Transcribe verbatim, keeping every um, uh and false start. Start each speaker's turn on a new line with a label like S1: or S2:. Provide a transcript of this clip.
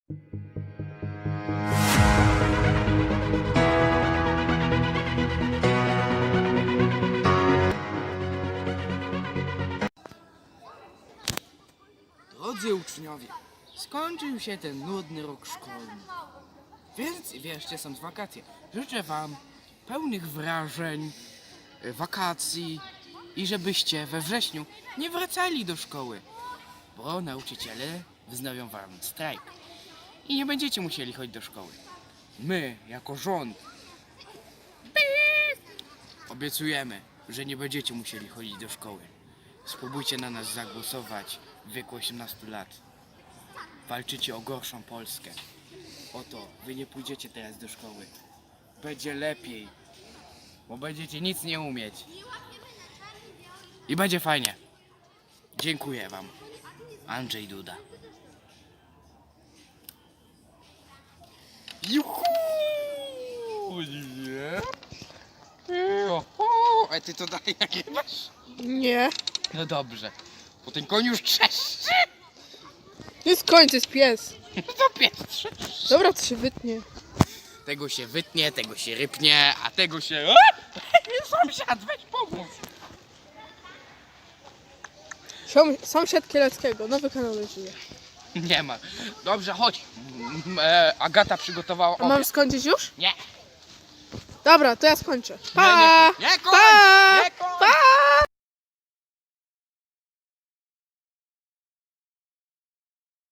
S1: Drodzy uczniowie, skończył się ten nudny rok szkolny. Więc wierzcie, są wakacje. Życzę wam pełnych wrażeń, y, wakacji i żebyście we wrześniu nie wracali do szkoły, bo nauczyciele wznowią wam strajk i nie będziecie musieli chodzić do szkoły. My, jako rząd, obiecujemy, że nie będziecie musieli chodzić do szkoły. Spróbujcie na nas zagłosować w wieku osiemnastu lat. Walczycie o gorszą Polskę. Oto, wy nie pójdziecie teraz do szkoły. Będzie lepiej, bo będziecie nic nie umieć. I będzie fajnie. Dziękuję wam. Andrzej Duda. Juhu! Nie? A ty to dalej nagrywasz?
S2: Nie.
S1: No dobrze. Bo ten koń już trzeszczy.
S2: Nie skończ, jest pies.
S1: To pies trzeszczy.
S2: Dobra, to się wytnie.
S1: Tego się wytnie, tego się rypnie, a tego się... Sąsiad, weź pomóż.
S2: Siom, sąsiad Kieleckiego, nowy kanał żyje.
S1: Nie ma. Dobrze, chodź. M, e, Agata przygotowała
S2: A mam
S1: obiad.
S2: skończyć już?
S1: Nie.
S2: Dobra, to ja skończę.
S1: Nie,
S2: Pa!
S1: nie, nie, koń,
S2: Pa!
S1: nie,